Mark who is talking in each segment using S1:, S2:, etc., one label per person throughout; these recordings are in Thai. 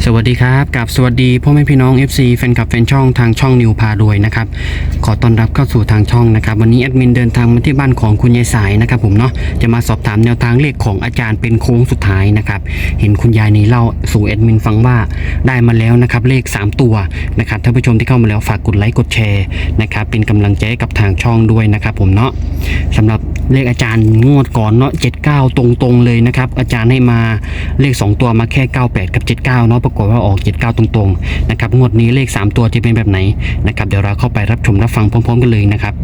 S1: สวัสดีครับกับสวัสดีพ่อแม่พี่น้อง FC แฟนคลับแฟนช่องทางช่องนิวพารวยนะครับขอต้อนรับเข้าสู่ทางช่องนะครับวันนี้แอดมินเดินทางมาที่บ้านของคุณยายสายนะครับผมเนาะจะมาสอบถามแนวทางเลขของอาจารย์เป็นโค้งสุดท้ายนะครับเห็นคุณยายนี่เล่าสู่แอดมินฟังว่าได้มาแล้วนะครับเลข3ตัวนะครับท่านผู้ชมที่เข้ามาแล้วฝากกดไลค์กดแชร์นะครับเป็นกำลังใจให้กับทางช่องด้วยนะครับผมเนาะสำหรับเลขอาจารย์งวดก่อนเนาะ79ตรงๆเลยนะครับอาจารย์ให้มาเลข2ตัวมาแค่98กับ79เนาะปรากฏว่าออก79ตรงๆนะครับงวดนี้เลข3ตัวจะเป็นแบบไหนนะครับเดี๋ยวเราเข้าไปรับชมรับฟังพร้อมๆกันเลยนะครับ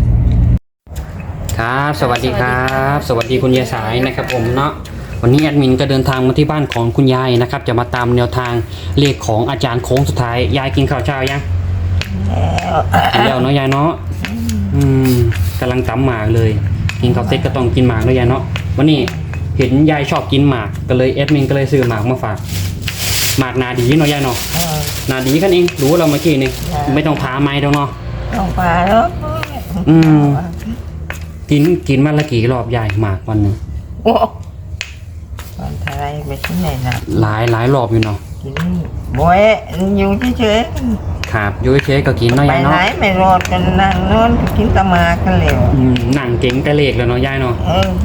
S1: ครับสวัสดีครับสวัสดีคุณยายสายนะครับผมเนาะวันนี้แอดมินก็เดินทางมาที่บ้านของคุณยายนะครับจะมาตามแนวทางเลขของอาจารย์โค้งสุดท้ายยายกินข้าวเช้ายังแล้วเนาะยายเนาะกำลังตำหมากเลยกินข้าวเสร็จก็ต้องกินหมากด้วยยายเนาะวันนี้เห็นยายชอบกินหมากก็เลยแอดมินก็เลยซื้อหมากมาฝากหมากนาดีเนาะยายเนาะนาดีกันเองรู้เราเมื่อกี้นี่ไม่ต้องพาไม้ตรงเนาะ
S2: ต้องพาแล้ว
S1: กินวันละกี่รอบยายหมากวันหนึ่ง
S2: โอ้วันไทยไปที่ไหนนะ
S1: หลายรอบอยู่เนาะ
S2: กินบ่อยอยู่เฉย
S1: ๆครับอยู่เฉยๆก็กินเนาะยายเนาะ
S2: ไปไหนไม่รอดกันนั่งนอนกินตะมากันเลย
S1: หนังเก่งแต่เลขแล้วเนาะยายเนาะ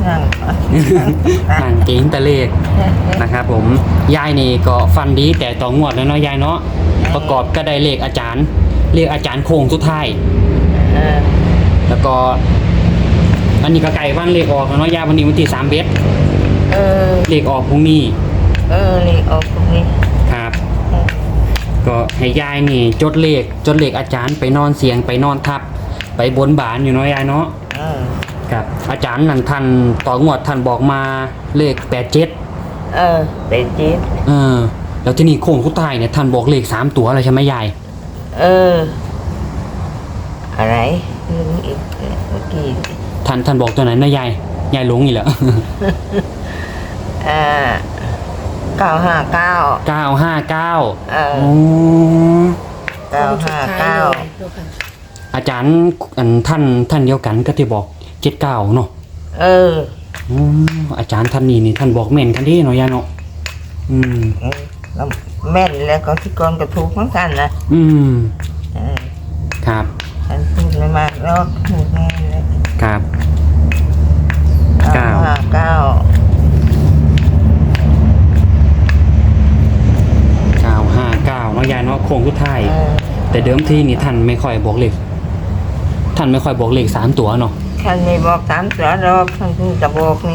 S2: นั่ง
S1: เก่งแต่เลขนะครับผมยายนี่ก็ฟันดีแต่ต่องวดแล้วเนาะยายเนาะประกอบก็ได้เลขอาจารย์โค้งสุดท้ายแล้วก็อันนี้ก็ไก่บ้านเลขออกเนาะยายวันนี้วันที่3 เบ็ดเลขออกพรุ่งนี้
S2: เลขออกพรุ่งนี้
S1: ครับก็ให้ยายนี่จดเลขอาจารย์ไปนอนเสียงไปนอนทับไปบนบานอยู่เนาะยายเนาะครับอาจารย์นั่นท่านต่องวดท่านบอกมาเลข87
S2: 87
S1: แล้วที่นี่โค้งสุดท้ายเนี่ยท่านบอกเลข3ตัวอะไรใช่ไหมยาย
S2: อะไรอีกเมื่อกี้
S1: ท่านบอกตัวไหนนะยายหลงอีกแล้ว
S2: 959
S1: อาจารย์ท่านเดียวกันก็ที่บอก79เนาะอาจารย์ท่านนี่ท่านบอกแม่นกันที่เนาะยายเนาะ
S2: แม่นแล้วก็ที่กรก็ถูกเหมือนกันนะครับฉันพูดไม่มากแล้วถูกแน่เลย
S1: ครับ
S2: 959
S1: เนาะยายเนาะโค้งสุดท้ายแต่เดิมทีนี่ท่านไม่ค่อยบอกเลข3ตัวเนาะ
S2: ท่านไม่บอก3ตัวหรอกท่านเพิ่งจะบอกนี่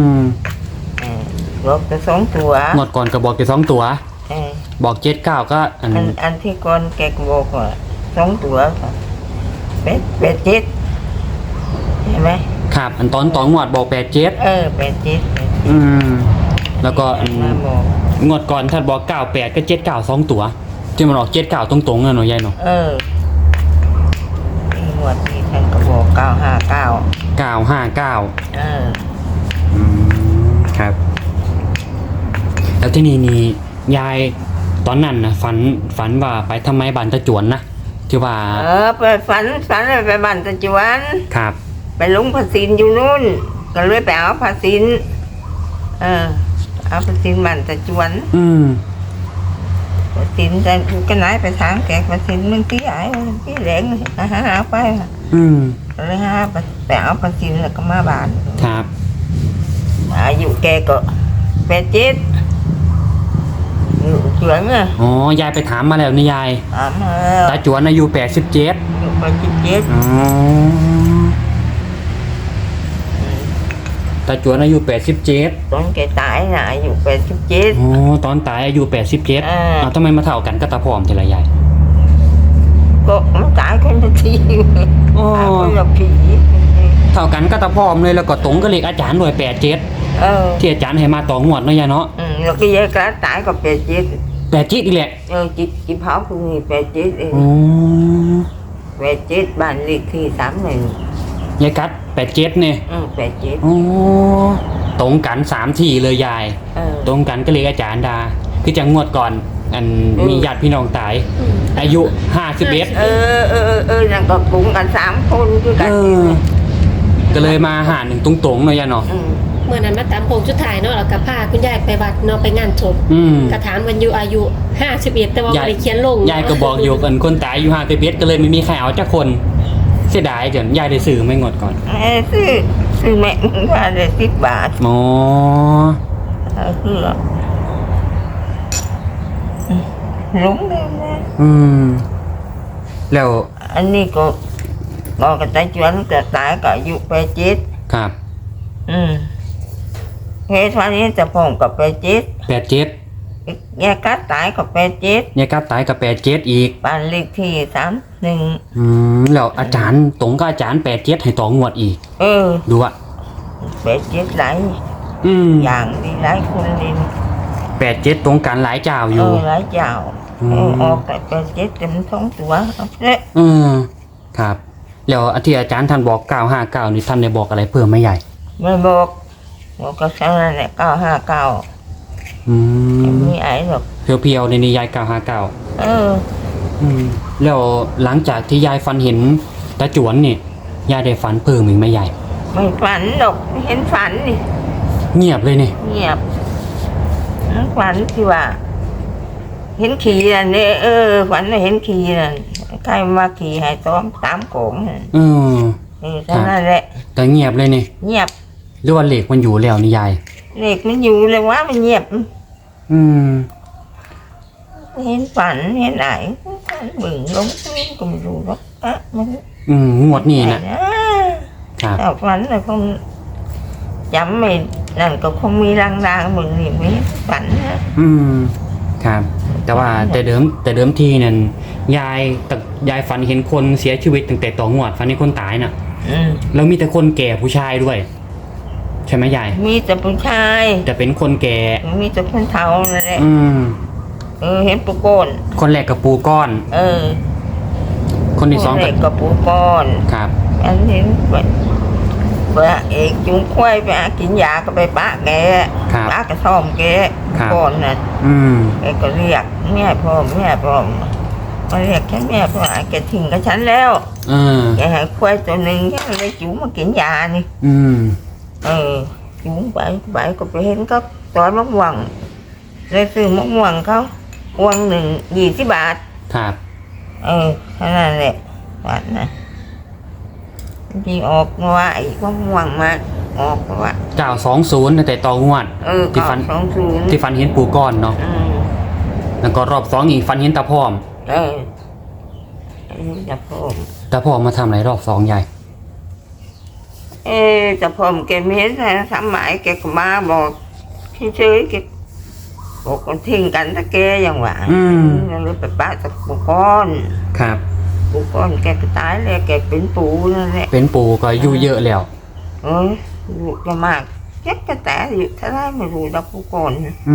S2: บอกแต่2ตัว
S1: งวดก่อนก็บอกแต่2ตัวบอก79ก็
S2: อันที่ก่อนแกก็บอกว่า2ตัว87เห็นไหม
S1: ครับอันตอนงวดบอก87
S2: 87
S1: แล้วก็งวดก่อนท่านบอก98ก็79 2ตัวที่มันออก79ตรงๆนะเนาะยายเนาะ
S2: งวดนี้ท่านก็บอก959
S1: ครับแล้วที่นี่ยายตอนนั้นนะฝันว่าไปทำไมบ้านตะจวนนะที่ว่า
S2: ไปฝันไปบ้านตะจวน
S1: ครับ
S2: ไปลงภาษีอยู่นู่นก็เลยไปเอาภาษีเอาภาษีบ้านตะจวนภาษีแต่ก็ไหนไปถามแกภาษีมึงที่ไหนที่แหลงหาไปเลยหาไปเอาภาษีแล้วก็มาบ้าน
S1: ครับ
S2: อายุแกก็87อยู่จวน
S1: อ๋อยายไปถามมาแล้วนี่ยายตาจวนอายุ87ตาจวนอายุ87
S2: ตอนแกตายน่ะอายุ87
S1: อ๋อตอนตายอายุ87ทำไมมาเท่ากันก็ตาพร้อมทีละยาย
S2: ก็มันตายคนละทีคนละผี
S1: เท่ากันก็ตาพร้อมเลยแล้วก็ตรงก็เลขอาจารย์ด้วย87ที่อาจารย์ให้มาต่องวดเนาะยายเนาะ
S2: แล้วก็ยายก็ตายก็87
S1: อีกแหละ
S2: จิเผาคือ87เอง87บ้านเลขที่31
S1: ยายกัด87เนี่ย
S2: 87
S1: ตรงกัน3ทีเลยยายตรงกันก็เลขอาจารย์ดาคือจังงวดก่อนมีญาติพี่น้องตายอายุ51
S2: นั่นก็กลุ่มกัน3คนคือกัน
S1: ก็เลยมาหา1ตรงๆเนาะยายเนาะ
S3: เมื่อนั้นมาตามโค้งสุดท้ายเนาะแล้วก็พาคุณยายไปวัดเนาะไปงานศพ กระถามวันอยู่อายุ51แต่ว่าบ่ได้เขียนลง
S1: ยายก็บอกอยู่กันคนตายอยู่51ก็เลยไม่มีใครเอาจักคนเสียดายจนยายได้ซื้อไม่งดก่อน
S2: ซื้อแม่มึงว่าได้10 บาท
S1: อ๋อ
S2: คือหลงเลยนะ
S1: แล้ว
S2: อันนี้ก็บอกกับตาจวนก็ตายก็อายุ87
S1: ครับ
S2: เฮ็ดวันนี้จะพงกับ87
S1: 87
S2: แยกกัดตายกับ87
S1: ยายกัดตายกับ87อีก
S2: บ้านเลขที่31
S1: แล้วอาจารย์ตรงกับอาจารย์87ให้ต่องวดอีกดูอ่ะ
S2: 87หลาย อย่างดีหลายคนดี
S1: 87ตรงกันหลายเจ้าอยู่
S2: หลายเจ้าออกแต่87เต็มท้องตัวเอาเละ
S1: ครับแล้วที่อาจารย์ท่านบอก959นี่ท่านได้บอกอะไรเพิ่มไหมใหญ่
S2: ไม่บอกก็แค่นั้นแหละ959มีไอ้หรอก
S1: เพียวๆในนี้ยาย959แล้วหลังจากที่ยายฝันเห็นตาจวนนี่ยายได้ฝันเพิ่มอีกไหมใหญ่
S2: ไม่ฝันหรอกไม่เห็นฝันนี่
S1: เงียบเลยนี่
S2: เงียบฝันที่ว่า เห็นขี่น่ะเนี่ยฝันว่าเห็นขี่น่ะใครมาขี่ให้ตามโกงน่ะเท่านั้นแหละ
S1: แต่เงียบเลยนี่
S2: เงียบ
S1: หรือว่าเหล็กมันอยู่แล้วนี่ยาย
S2: เด็กมันอยู่เลยว่ามันเงียบเห็นฝันเห็นไหนบึ่งลงตื้นก็ไม่รู้หรอกมัน
S1: งวดนี้นะครับ
S2: แต่ฝันเลยคงจำไม่นั่นก็คงมีรางๆมึงนี่ไม่ฝันนะครับ
S1: แต่ว่าแต่เดิมทีนั่นยายฝันเห็นคนเสียชีวิตตั้งแต่ต่องวดฝันเห็นคนตายน่ะแล้วมีแต่คนแก่ผู้ชายด้วยใช่ไหมยาย
S2: มีแต่ผู้ชาย
S1: แต่เป็นคนแก่
S2: มีแต่คนเฒ่านั่นแหละเห็นปูก้อน
S1: คนแรกกับปูก้อนคนที่สอง
S2: กับปูก้อน
S1: ครับ
S2: อันนี้เอกจุงควายไปกินยาก็ไปปะแกปะกระท่อมแกก้อนน่ะแกก็เรียกแม่พ่อมาเรียกแค่แม่พ่อแกทิ้งกับฉันแล้วแกให้ควายตัวหนึ่งแกเลยจุงมากินยานี่จุงไปก็ไปเห็นก็ตอนมะม่วงเลยซื้อมะม่วงเขาวันหนึ่ง20 บาท
S1: ครับ
S2: เท่านั้นแหละวันนะที่ออกว่าไอ้มะม่วงมาออกว่า
S1: 920แต่ต่องวดที่ฝันเห็นปูก้อนเนาะแล้วก็รอบ2อีกฝันเห็นตาพร้อมตาพร้อมมาทำอะไรรอบ2ใหญ่
S2: แต่ผมแกไม่เห็นอะไรทำหมายแกก็มาบอกเฉยๆแกบอกกันทิ้งกันถ้าแกอย่างว่าเลยไปป้าตะปูก้อน
S1: ครับ
S2: ปูก้อนแกก็ตายเลยแกเป็นปูนั่นแหละ
S1: เป็นปูก็อายุเยอะแล้ว
S2: อยู่จะมากแกก็แต่อยู่ถ้าได้ไม่รู้ดับปูก้อน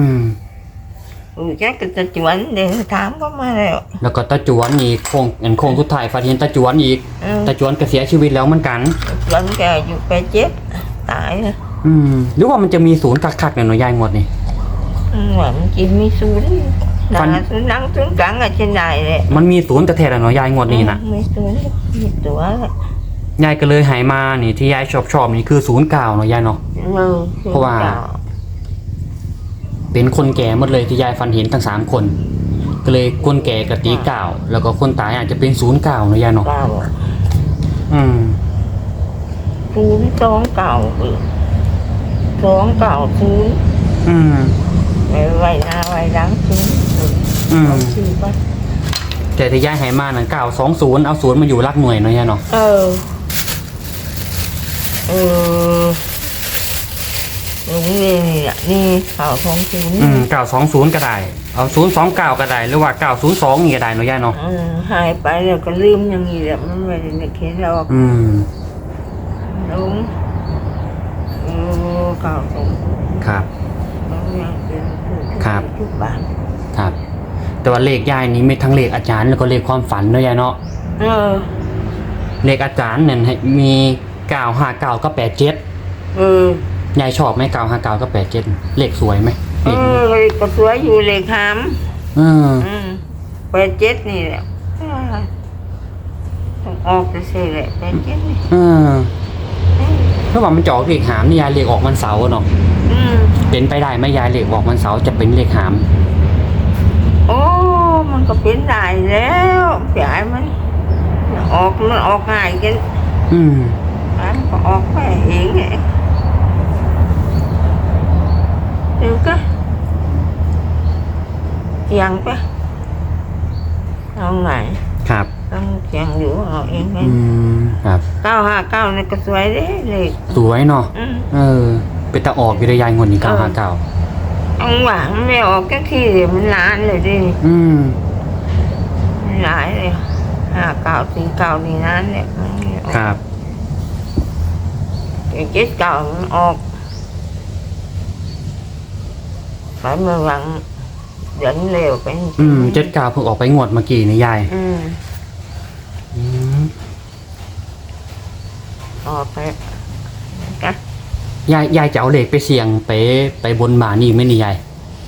S2: แกก็จะจวนเดี๋ยวถามก็มา
S1: แล้วก็ตาจวนอีกโค้งสุดท้ายฝันเห็นตาจวนอีกตาจวนก็เสียชีวิตแล้วเหมือนกัน
S2: จวนแกอยู่87ตายเลย
S1: หรือว่ามันจะมีศูนย์คักๆเนี่ยหน่อยยายงวดนี่
S2: ว่ามันกินมีศูนย์ศูนย์นั่งศูนย์กลางอะเช่นใดเลย
S1: มันมีศูนย์แต่แท้ๆหน่อยยายงวดนี้นะ
S2: มีศูนย์มีตัวย
S1: ายก็เลยหายมานี่ที่ยายชอบนี่คือ09หน่อยยายเนาะเพราะว่าเป็นคนแก่หมดเลยที่ยายฝันเห็นทั้ง3คนก็เลยคนแก่กับตี9แล้วก็คนตายอาจจะเป็น09หน่อยยายเนาะ
S2: 029ไว้หน้าไว้หลัง
S1: แต่ที่ย้ายหายมานั่น920เอา0มาอยู่รักหน่วยเนาะยายเนาะ
S2: นี่
S1: 920ก็ได้เอา029ก็ได้หรือว่า902นี่ก็ได้เนาะยายเนาะ
S2: หายไปแล้วก็ลืมอย่างนี้แหละมันไม่ได้นึกเห็นหรอกลุง920
S1: ครับครับแต่ว่าเลขยายนี้มีทั้งเลขอาจารย์แล้วก็เลขความฝันเนาะยายเนาะเลขอาจารย์เนี่ยมี959กับ87ยายชอบไหม959กับ87เลขสวยไหม
S2: ก็สวยอยู่เลขหาม87นี่แหละต้องออกจะเสียแหละ87นี่
S1: เพราะว่ามันจะออกเลขหามนี่ยายเลขออกวันเสาร์เนาะ
S2: อืม
S1: เป็นไปได้ไหมยายเลขออกวันเสาร์จะเป็นเลขหาม
S2: โอ้มันก็เป็นได้แล้วยายมันออกง่ายกัน
S1: อืม
S2: มันก็ออกไปเองไงเดี๋ยวก็เสียงไปเอาไง
S1: ครับ
S2: ต้องเสียงอยู่เอาเองไหม
S1: อืมครับ
S2: 959นี่ก็สวยเด้เลย
S1: สวยเนาะ
S2: อืม
S1: เป็นตาออกอยู่ในยายงวดนี้959
S2: เอาหวังไม่ออกก็ที่เดี๋ยวมันนานเลยดิ
S1: อืม
S2: มันหลายเลย5949นี่นานเนี่ยมันไม่ออก
S1: ครับ
S2: 79มันออกไปเมื่อหวังเดินเร็วไปจริงๆ
S1: อืม79เพิ่งออกไปงวดเมื่อกี้นี่ยาย
S2: อืม
S1: อืม
S2: ออกไปก็
S1: ยายจะเอาเลขไปเสี่ยงไปบนบานนี่ไหม่นี่ยาย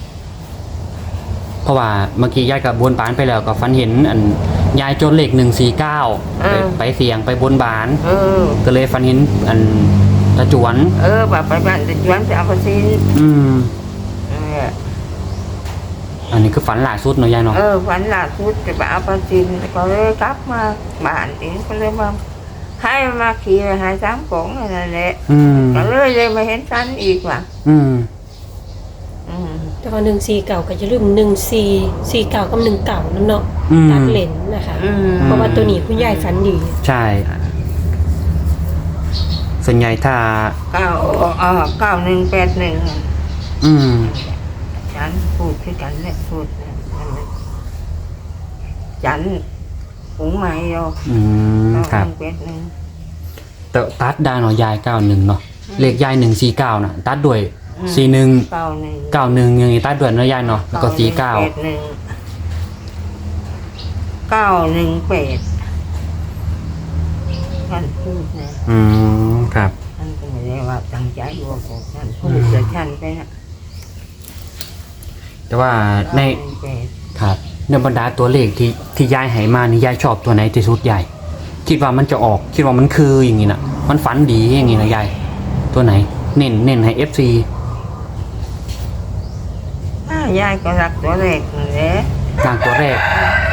S1: เพราะว่าเมื่อกี้ยายกับบนบานไปแล้วก็ฝันเห็นอันยายจดเลข149ไปเสี่ยงไปบนบาน
S2: เออ
S1: ก็เลยฝันเห็นอันตะจวน
S2: แบบไปบ้านจะชวนไปเอาไปซิน
S1: อืม
S2: เออ
S1: อันนี้คือฝันล่าสุดเนาะยายเนาะ
S2: วันล่าสุดจะไปเอาไปซินก็เลยกลับมาบ้านเองก็เลยมาให้มาขี่ไปหา3 กงนั่นแหละ
S1: อืม
S2: ก็เลยมาเห็นฉันอีกว่ะ
S1: อืม
S2: อืม
S3: แต่ว่า149ก็จะลืม1449กับ19นั่นเนาะ
S1: อืม
S3: ตัดเลนนะคะ เพราะว่าตัวนี้คุณยายฝันดี
S1: ใช่ส่วนใหญ่ถ้า
S2: 9181
S1: อืม
S2: ฉันพูดคือกันแหละพูดนะฉันหุงใหม่เรา
S1: อืมครับ
S2: 9181
S1: แต่ตัดได้เนาะยาย91เนาะเลขยาย149น่ะ ตัดด้วย41 91อย่างงี้ตัดด้วยเนาะยายเนาะแล้วก็49
S2: 918ท่านพูดนะ
S1: อืมครับ
S2: ท่านก็ไม่ได้ว่าตั้งใจว่าของท่านพูดแต่ท่านไปนะ
S1: แต่ว่าใน
S2: 918
S1: ครับในบรรดาตัวเลขที่ยายให้มานี่ยายชอบตัวไหนที่สุดยายคิดว่ามันจะออกคิดว่ามันคืออย่างงี้น่ะ มันฝันดีอย่างงี้นะยายตัวไหนเน้นให้ FC
S2: ยายก็รักตัวเล็กนั่นแหละ
S1: กลางตัวแรก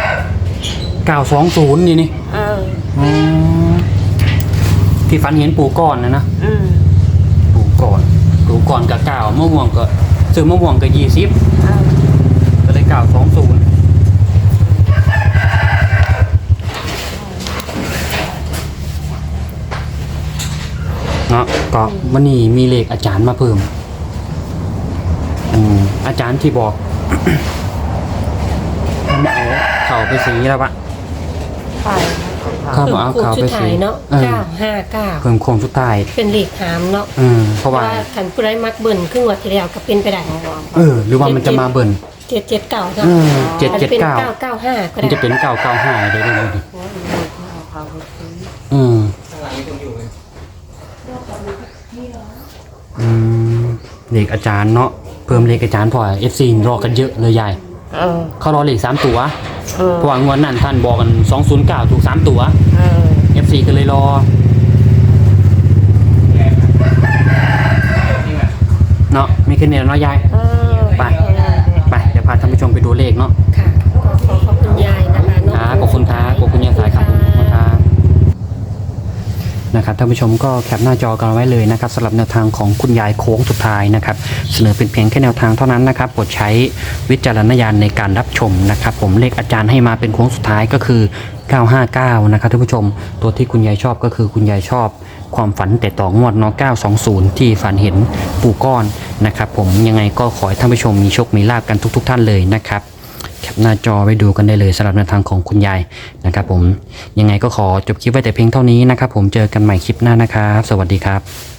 S1: 920นี่นี่ อืมที่ฝันเห็นปู่ก้อนนะปู่ก้อนกับ9มะม่วงก็ซื้อมะม่วงก็20ก็เลย920เนาะก็วันนี้มีเลขอาจารย์มาเพิ่มอาจารย์ที่บอก เขาไปสีแล้วปะ ครับ
S3: เพิ่ม
S1: เอา
S3: โค้ง
S1: ข่าว
S3: สุ
S1: ไป
S3: ดท้า
S1: สิ
S3: ยเนาะ
S1: เออ
S3: 959
S1: เพิ่มโค้งสุดท้าย
S3: เป็นเลขหามเนาะ
S1: เพราะว่า
S3: คันผู้ใดมักเบิ่นครึ่งวันที่แล้วก็เป็นไปได้
S1: หรือว่ามันจะมาเบิ่น
S3: 779เนาะ
S1: 779
S3: มันเป็น995ก็
S1: มัน
S3: ได้
S1: จะเป็น995เลยดิเลขอาจารย์เนาะเพิ่มเลขอาจารย์พอ FC รอกันเยอะเลยยายเขารอเลข3ตัวเพราะว่างวดนั้นท่านบอกกัน209ถูก3ตัว FC ก็เลยรอเนาะมีแค่นี้แล้วเนาะยายไปเดี๋ยวพาท่านผู้ชมไปดูเลขเนาะ
S3: ค่ะก็ขอบคุณยายนะคะเนาะ
S1: ครับขอบคุณครับขอบคุณยายสายครับขอบคุณครับนะครับท่านผู้ชมก็แคปหน้าจอกันไว้เลยนะครับสำหรับแนวทางของคุณยายโค้งสุดท้ายนะครับเสนอเป็นเพียงแค่แนวทางเท่านั้นนะครับโปรดใช้วิจารณญาณในการรับชมนะครับผมเลขอาจารย์ให้มาเป็นโค้งสุดท้ายก็คือ959นะครับท่านผู้ชมตัวที่คุณยายชอบก็คือคุณยายชอบความฝันแต่ต่องวดเนาะ920ที่ฝันเห็นปู่ก้อนนะครับผมยังไงก็ขอให้ท่านผู้ชมมีโชคมีลาภกันทุกท่านเลยนะครับแคปหน้าจอไว้ดูกันได้เลยสำหรับแนวทางของคุณยายนะครับผมยังไงก็ขอจบคลิปไว้แต่เพียงเท่านี้นะครับผมเจอกันใหม่คลิปหน้านะครับสวัสดีครับ